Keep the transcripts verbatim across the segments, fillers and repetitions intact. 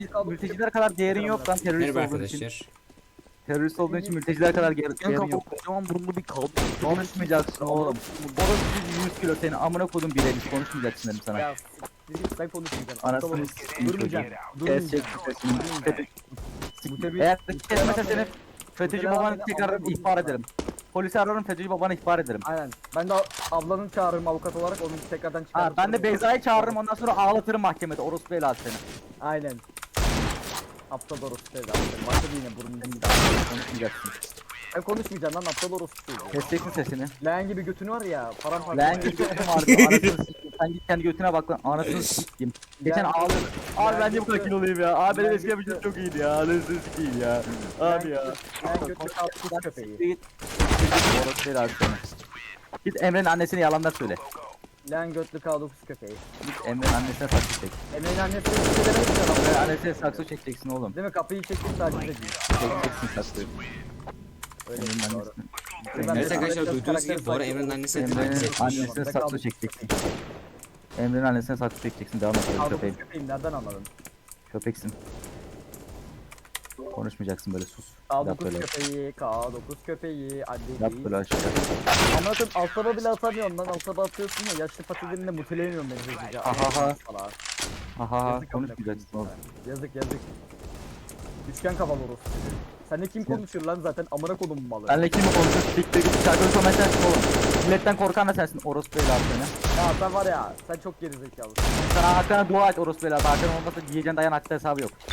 mülteciler kadar değerin yok lan terörist Merhaba olduğun için. arkadaşlar. Terörist olduğun için mülteciler kadar ger- Sen değerin yok. kocaman burunlu bir kaldı. Konuşmayacaksın oğlum. Orası yüz kilo seni amına kodum bilemiş konuşmayacaksın dedim sana. Ya siktir sen konuşmayacaksın. Anasını Aptal s**eyim çocuğum. Durmayacaksın. Kesecek Durmayacaksın. sesini. Mutebi- Eğer kesmezsen seni FETÖ'cü Mutebi babanı abi, tekrar abi, ihbar ederim. Polisi ararım FETÖ'cü babanı ihbar ederim. Aynen. Ben de ablanın çağırırım avukat olarak onu tekrardan Ha, çıkarırım. ben de Beyza'yı çağırırım ondan sonra ağlatırım mahkemede orospu helal seni. Aynen. Aptal orospu dedi. Başladı yine burnunu bir Konuşmayacaksın. Ben konuşmayacağım lan aptal orospu dedi. Keseceksin sesini. Leğen gibi götünü var ya. Param Lan git götüne vardı anasını sikeyim. Sen git kendi götüne bak lan anasını sikeyim. Geçen Lan- ağlıyordum. Abi Lan ben niye bu kadar gitti. kiloluyum ya? Abi benim Lan eski yapıcım gitti. çok iyiydi ya. Anasını sikeyim ya. Abi ya. Leğen götü kalkmış köpeği. Git. Orospu helal seni. Git Emre'nin annesine yalanlar söyle. Leğen götlü K dokuz köpeği. Git Emre'nin annesine saksı çek. Emre'nin annesi bir şey demedik ya Emre'nin lan. annesine saksı çekeceksin oğlum. Değil mi? Kapıyı çektik sadece değil. Çekeceksin saksı. Öyle Emre'nin doğru. annesine. Ben Evet de- arkadaşlar ben de duyduğunuz gibi karakteri Bora saygı- Emre'nin annesine Emre'nin taciz etmiş. annesine Ben saksı kaldım. çekeceksin. Emre'nin annesine saksı çekeceksin. Devam et. K dokuz Köpeğim. köpeğim nereden anladın? Köpeksin. Konuşmayacaksın böyle sus. K Yap dokuz böyle. köpeği, K dokuz köpeği, anne Yap değil. böyle aşağı. Anlatın altaba bile atamıyorsun lan altaba atıyorsun ya yaşlı patilerini muteleyemiyorum beni hızlıca. Ahaha. Salak. Aha Yazık konuşmayacaksın oğlum. Yazık yazık. Üçgen kafalı orospu. Sen de kim Sen- konuşur lan zaten amına kodum malı. Benle kim konuşuyor? Siktir git. Şarkı söylemen sensin oğlum. Milletten korkan da sensin. Orospu helal seni. Ya sen var ya sen çok gerizekalısın. Sana Hakan'a dua et orospu helal. Hakan olmasa yiyeceğin dayan hatta hesabı yok.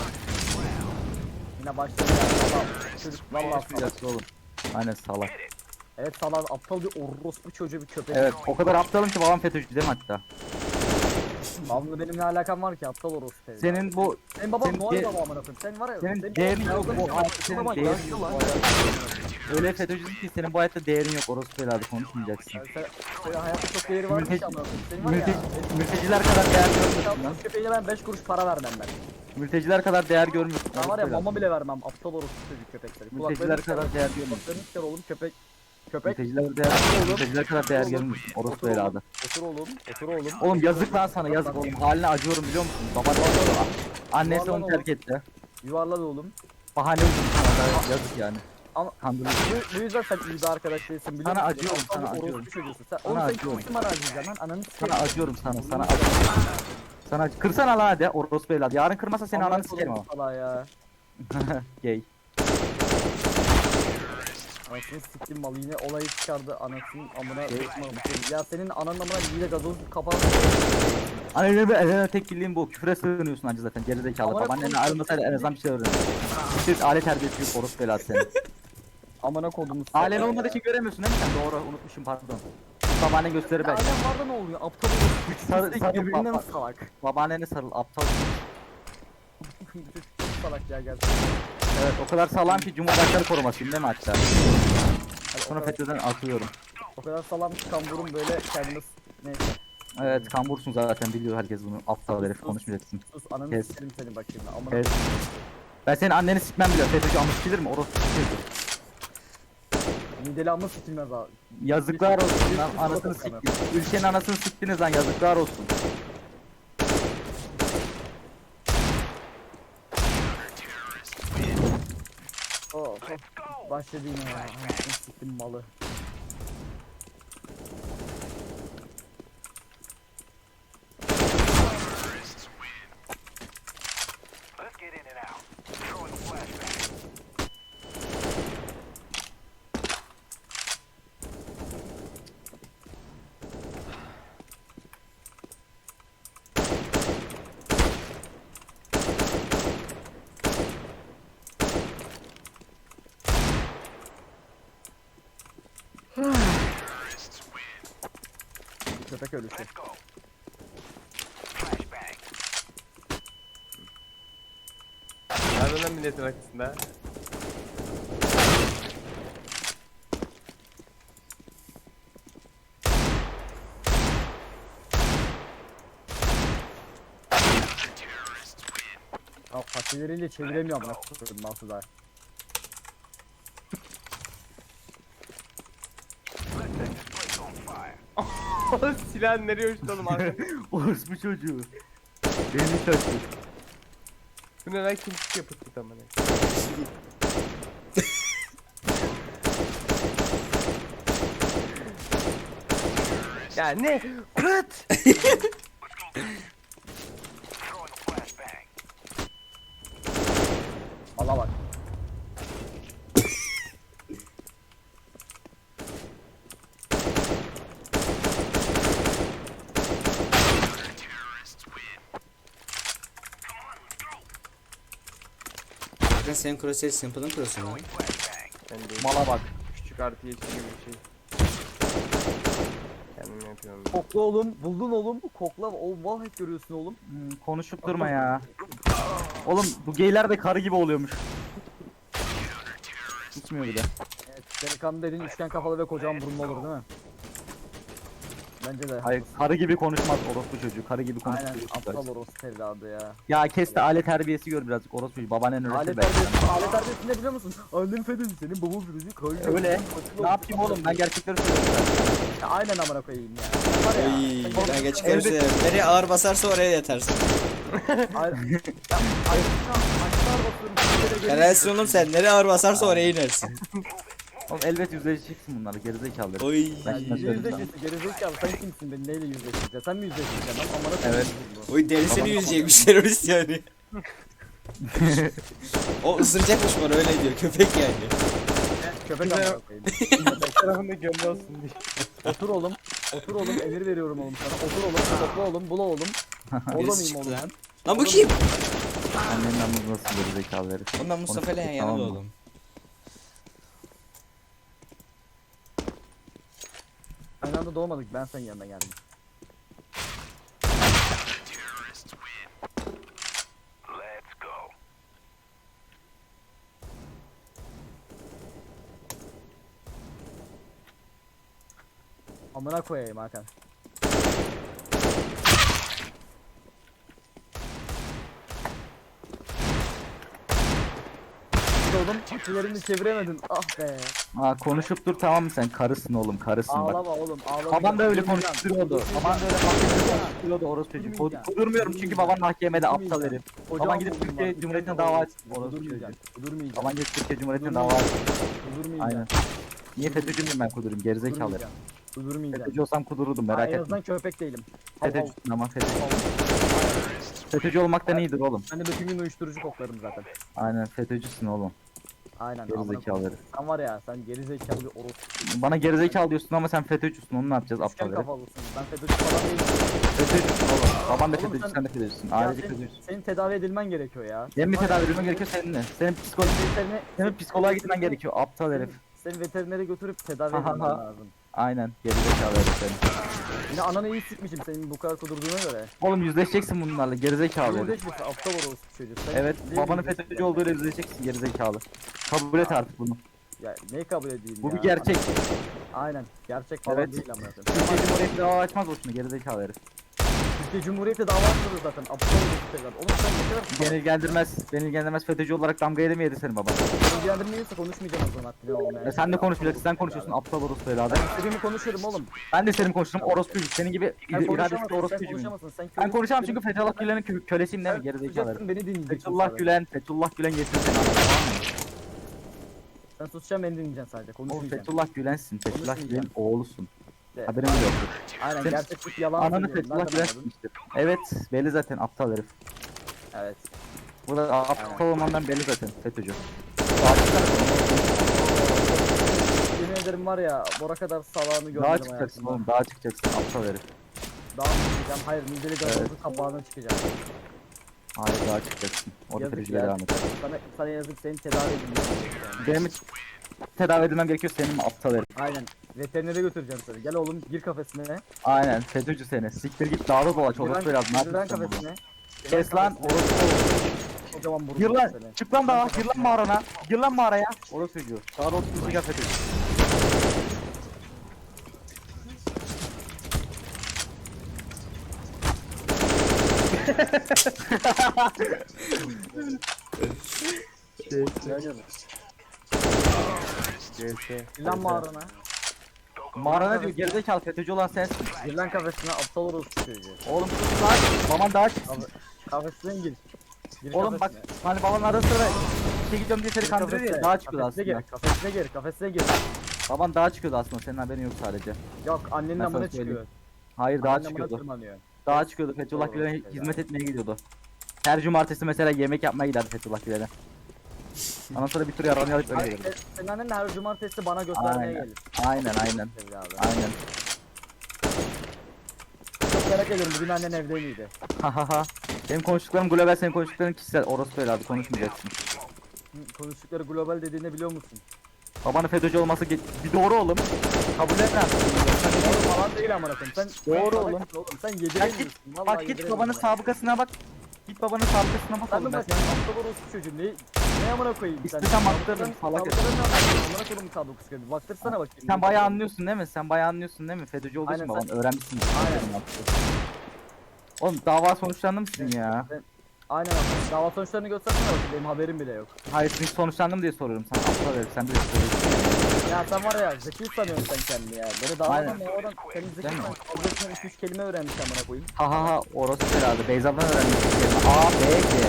Yine başladı ya salak. Çocuk vallahi salak. Konuşmayacaksın oğlum. Aynen salak. Evet salak aptal bir orospu çocuğu bir köpek. Evet o kadar aptalım ki babam FETÖ'cü değil mi hatta? Babamla benim ne alakam var ki aptal orospu. herif. Senin bu Senin baban senin Noel de- baba amına koyayım. Sen var ya. senin değerin yok, bu baban hayatta senin baban değerin yaşlı yok. lan. öyle FETÖ'cüsün ki senin bu hayatta değerin yok orospu helal konuşmayacaksın. Yani sen, senin hayatta çok değeri varmış Mülteci- amına koyayım. Senin var ya. Mülteci, mülteciler kadar değer görmüyorsun lan. Şu köpeğine ben beş kuruş para vermem ben. Mülteciler kadar değer görmüyorsun. Ben var orospu ya helal. mama bile vermem aptal orospu çocuk köpekleri. Mülteciler kadar değer görmüyorsun. Kulaklarını çıkar oğlum köpek. Köpek. Mülteciler değer, Oğlum. mülteciler kadar değer Oğlum. görmüyorsun. Orospu Otur oğlum. helalı. Otur oğlum. Otur oğlum. Oğlum yazık lan sana yazık oğlum. Haline acıyorum biliyor musun? Baban annesi Yuvarlan onu terk etti. Yuvarlan oğlum. Bahane uydurdu sana da yazık yani. Ama Kandırıyorsun. bu, bu yüzden sen iyi bir arkadaş değilsin biliyor Sana musun? acıyorum, Aptal sana bir orospu acıyorum. çocuğusun. Sen, Sana oğlum sen acıyorum. kimsin bana acıyacaksın lan? Ananı Sana sikeyim. acıyorum sana. Sana acıyorum. Sana acı- Kırsana lan hadi orospu evladı. Yarın kırmasa senin Amına ananı sikerim ama. koyayım salağa ya. Gay. Anasını siktim malı yine olayı çıkardı anasının amına koyayım. Ya senin ananın amına bir de gazoz kapağı. Hani ne be elene tek bildiğin bu. Küfre sığınıyorsun anca zaten gerizekalı. Amına Babaannenle koyayım. ayrılmasaydı en azından bir şey öğrenir. Siz aile terbiyesi yok orospu evladı senin. Amına kodumuz. Ailen olmadığı için göremiyorsun değil mi sen? Doğru unutmuşum pardon. Babaannen gösterir belki. Ailem var da ne oluyor? Aptal orospu. Sarı- Sarı, sarı birbirinden baba. salak. Babaannene sarıl aptal. Bu çocuk çok salak ya gerçekten. Evet o kadar sağlam ki Cumhurbaşkanı korumasıyım değil mi hatta? Hani o, Sonra kadar, FETÖ'den atıyorum. o kadar salam ki kamburum böyle kendini neyse. Evet kambursun zaten biliyor herkes bunu. Aptal herif konuşmayacaksın. Sus ananı Kes. sikerim seni bakayım ya. Amına Evet. Ben senin anneni sikmem bile. FETÖ'cü amış bilir mi? Orospu çocuğu. mideli amma sikilmez abi. Yazıklar olsun lan Bir- anasını bir- siktiniz. Ülkenin anasını siktiniz lan yazıklar olsun. Oh, oh. Başladı yine ya. Anasını siktim malı. Köpek ölüsü. Nereden lan milletin arkasında? Ya patileriyle çeviremiyor amına koyayım nasıl da. Silahın nereye uçtu oğlum arkadaş? Orospu çocuğu. Beni taşı. Bu ne lan kimsik yapıp amına. Ya ne? Kıt! Allah bak. Bakın senin crosshair Simple'ın cross'u mu? Ben de Mala bak. küçük artı yeşil gibi bir şey. Kendim yapıyorum. Kokla oğlum. Buldun oğlum. Kokla. Oğlum vallahi görüyorsun oğlum. Hmm, konuşup durma ya. Oğlum bu geyler de karı gibi oluyormuş. Gitmiyor bile. Evet, delikanlı dediğin üçgen kafalı ve kocaman burunlu olur değil mi? Bence de. Hayır karı gibi konuşmaz orospu çocuğu. Karı gibi konuşur. Aynen aptal orospu evladı ya. Ya kes de aile terbiyesi gör birazcık orospu çocuğu. Babaannen öğretir Alet be. terbiyesi, alet terbiyesi ne biliyor musun? Annem fedezi senin babam fedezi kayıyor. Öyle. Ne yapayım oğlum ben gerçekleri söylüyorum zaten. Ya aynen amına koyayım ya. Var ya. Oy, sen- ben geçikleri Elbet- söylüyorum. Nereye ağır basarsa oraya yetersin. Ay- Ya, ay- Aşağı basıyorum, bir kere geri- Helalsin oğlum sen. Nereye ağır basarsa oraya inersin. Oğlum elbet yüzleşeceksin bunlarla gerizekalıları. Oy. Ben Ya şimdi söyleyeyim sana. yüzleşirsin gerizekalı sen kimsin beni neyle yüzleştireceksin sen mi yüzleştireceksin lan amına koyayım Evet. bu. Oy derisini yüzecekmiş terörist yani. O ısıracakmış bana öyle diyor. Köpek yani. Köpek amına koyayım. Tarafında gönlü olsun diye. Otur oğlum. Otur oğlum emir veriyorum oğlum sana. Otur oğlum topla oğlum bula oğlum. Orada Birisi mıyım çıktı oğlum lan. ben? Lan bu kim? Annenin anlamı nasıl gerizekalı herif. Ondan Mustafa ile yan yana Tamam mı? doğdum. Aynı anda doğmadık ben senin yanına geldim. Amına koyayım Hakan. Bir de oğlum çiftçilerini çeviremedin. Ah be. Aa konuşup dur tamam mı sen karısın oğlum karısın bak. Ağlama oğlum ağlama. Baban da öyle Durmayacağım, konuşturuyordu. Baban da öyle mahkemede konuşturuyordu orospu çocuğu. Kod- Kudurmuyorum çünkü baban mahkemede aptal herif. Kocaman Baban gidip buldum Türkiye bak, Cumhuriyeti'ne kocaman dava buldum. açtı orospu çocuğu. Kudurmayacağım. Kudurmayacağım. Baban gidip Türkiye Cumhuriyeti'ne dava açtı. Kudurmayacağım. Aynen. Niye FETÖ'cü müyüm ben kudurum gerizekalı herif. Kudurmayacağım. Kudurmayacağım. FETÖ'cü olsam kudururdum Ha, merak en etme. azından köpek değilim. Hav hav. FETÖ'cüsün ama FETÖ'cü. FETÖ'cü olmaktan iyidir oğlum. Ben de bütün gün uyuşturucu koklarım zaten. Aynen FETÖ'cüsün oğlum. Aynen. amına Gerizekalı koyayım. herif. Sen var ya sen gerizekalı bir orospu. Bana gerizekalı diyorsun ama sen FETÖ'cüsün onu ne yapacağız aptal Üçgen herif. kafalısın. Ben FETÖ'cü falan değilim. FETÖ'cüsün oğlum. Baban da Oğlum FETÖ'cü sen- sen de FETÖ'cüsün. Ya Ailece senin, FETÖ'cüsün. senin tedavi edilmen gerekiyor ya. Benim bir Var ya, tedavi edilmen gerekiyor senin de. Senin psikolojik Veterine, senin psikoloğa gitmen gerekiyor aptal herif. Seni veterinere götürüp tedavi Ha, ha, edilmen ha. lazım. Aynen gerizekalı herif senin. Yine ananı iyi sikmişim senin bu kadar kudurduğuna göre. Oğlum yüzleşeceksin bunlarla gerizekalı herif. Yüzleşmişsin aptal orospu çocuğu. Sen Evet değil babanın miydin? FETÖ'cü olduğuyla yüzleşeceksin gerizekalı. Kabul et artık bunu. Ya neyi kabul edeyim Bu ya? bir gerçek. Aynen gerçek falan Evet. değil amına koyayım. Türkiye Cumhuriyeti dava açmaz boşuna gerizekalı herif. Türkiye Cumhuriyeti dava açmadı zaten. Aptal orospu evlat. Oğlum sen ne kadar Beni ilgilendirmez. Beni ilgilendirmez FETÖ'cü olarak damga yedi mi yedi senin baban? ilgilendirmiyorsa konuşmayacağım o zaman haddini olmayan. E sen de konuşmayacaksın. Sen konuşuyorsun aptal orospu evladı. İstediğimi konuşurum oğlum. Ben de senin konuştuğum orospuyum. Senin gibi Sen iradesiz konuşamazsın, sen orospuyum. konuşamazsın. Sen Ben konuşamam kölesin, çünkü Fethullah Gülen'in kö kölesiyim değil mi sen gerizekalı herif? susacaksın, beni dinleyeceksin. Fethullah sadece. Gülen, Fethullah Gülen yesin seni anladın mı? Sen susacaksın beni dinleyeceksin sadece. Oğlum Konuşmayacaksın. Fethullah Gülen'sin. Fethullah Konuşmayacağım. Gülen'in oğlusun. De- Haberin bile yoktur. Aynen Sen- gerçeklik yalan Ananı söylüyorum. Fethullah Nereden Gülen anladın? sikmiştir. Evet belli zaten aptal herif. Evet. Bu da aptal olmandan belli zaten FETÖ'cü. Yemin ederim var ya Bora kadar salağını görmedim Daha çıkacaksın hayatımda. oğlum daha çıkacaksın aptal herif. Daha mı çıkacağım? Hayır mideli gazozun kapağına çıkacağım. Hayır daha çıkacaksın. Orada Yazık FETÖ'cüyle ya. devam et. Sana, sana yazık senin tedavi edilmesi. Benim hiç tedavi edilmem gerekiyor senin mi aptal herif. Aynen. Veterinere götüreceğim seni. Gel oğlum gir kafesine. Aynen FETÖ'cü seni. Siktir git dağda dolaş Gir lan, orospu biraz. Ne gir lan yapıyorsun bunu? kafesine. Kes lan orospu. Kocaman burun Gir var lan. seni. Çık lan dağa. Gir lan mağarana. Gir lan mağaraya. Orospu çocuğu. Dağda oturup gel FETÖ'cü. Gel gel. Gir lan mağarana. Mağarana diyor gerizekalı FETÖ'cü olan sensin. Gir lan kafesine aptal orospu çocuğu. Oğlum sus lan. Baban daha çıksın. Kafesine gir. Gir Oğlum bak kafesine. hani babanın arada sıra işe gidiyorum diye seni Gir kandırıyor kafesine. ya dağa çıkıyordu Kafesine aslında. gir, kafesine gir, kafesine gir. Baban dağa çıkıyordu aslında senin haberin yok sadece. Yok annenin Ben amına sana söyleyeyim. çıkıyor. Hayır dağa Annenin amına çıkıyordu. tırmanıyor. Dağa çıkıyordu Fethullah Doğru, Gülen'e evet. hizmet etmeye gidiyordu. Her cumartesi mesela yemek yapmaya giderdi Fethullah Gülen'e. Ondan sonra bir tur yaranı alıp öyle Ay, gelirdi. se- Senin annen de her cumartesi bana göstermeye Aynen. gelir. Aynen aynen. Evladım. Aynen. Çok merak ediyorum bugün annen evde miydi? Hahaha. Benim konuştuklarım global, senin konuştukların kişisel. Orası öyle abi, konuşmayacaksın. Hı, Konuştukları global dediğini biliyor musun? Babanın FETÖ'cü olması ge- bir doğru oğlum. Kabul et lan. Doğru falan değil amına koyayım. Sen Doğru sen- oğlum. Sen Ya yediremiyorsun. git, Vallahi bak git yediremiyorsun babanın bana. sabıkasına bak. Git babanın sabıkasına bak Sen oğlum. de Ben bak senin hafta borusu çocuğu ne ne amına koyayım sen. İstesem baktırırım, Sabıkadan- salak herif. sabıkadan ne anlıyorsun? Amına koyayım sabıkası gibi. Baktırsana bakayım. sen bayağı anlıyorsun değil mi? Sen bayağı anlıyorsun değil mi? FETÖ'cü olduğu için Aynen, baban sen- öğrenmişsin. Aynen. Oğlum dava sonuçlandı mısın ya? Aynen abi. Dava sonuçlarını göstersene bakayım. Benim haberim bile yok. Hayır çünkü sonuçlandım diye soruyorum sana. Aptal herif, sen de soruyorsun. Ya sen var ya zeki sanıyorsun sen kendini ya. Beni davadan Aynen. ya oradan senin zeki Değil mi? sen fazlasından iki üç kelime öğrenmiş amına koyayım. Ha ha ha, orası herhalde. Beyza'dan öğrenmişsin. A, B, G.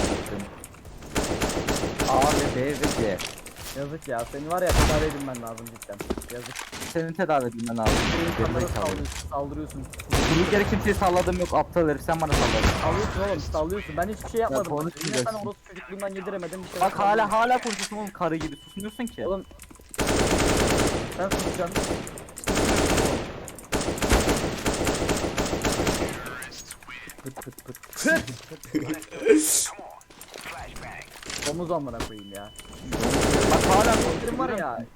A ve B ve C. Yazık ya. Seni var ya tedavi edilmen lazım cidden. Yazık. Senin tedavi edilmen lazım. İnsanlara Gerizekalı. saldırıyorsun. Saldırıyorsun. Durduk yere kimseye salladım yok, aptal herif, sen bana salladın. Sallıyorsun oğlum sallıyorsun. Ben hiçbir şey yapmadım. Yine konuşmayacaksın. sen orası çocukluğundan yediremedim. Bir şey Bak hala hala konuşuyorsun oğlum, karı gibi susmuyorsun ki. Oğlum. Sen susacaksın. Pıt pıt pıt. Domuz amına koyayım ya. Bak hala Benim konuşuyorum var ya.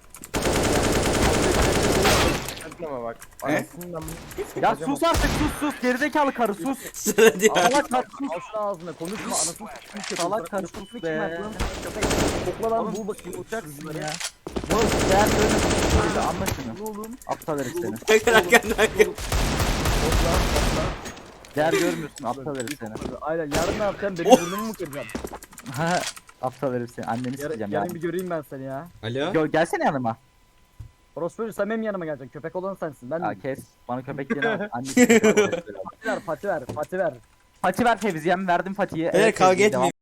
Ama bak. He? Anasından Ya sus artık, sus sus, gerizekalı karı sus. Sana diyor. Salak karı sus. Al şunu ağzına konuşma anasını s**tim Salak karı sus be. Kokla lan Oğlum, bul bakayım uçaksın ya. ya. Oğlum değer görmüyorsun, anla şunu. Oğlum. Aptal herif seni. Bakın arkandan arkandan. Kokla kokla. Değer görmüyorsun, aptal herif seni. Aynen yarın ne yapacaksın? Benim burnumu mu kıracaksın? Ha, aptal herif seni, anneni Yarın, sikeceğim ya. yarın bir göreyim ben seni ya. Alo? Yo, gelsene yanıma. Orospu sen benim yanıma geleceksin. Köpek olan sensin. Ben Ya de. kes, bana köpek diyene annesi. Pati ver, pati ver, pati ver. Pati ver Fevziye'm, verdim Pati'yi. Beyler kavga Fevziye, etmeyin. devam.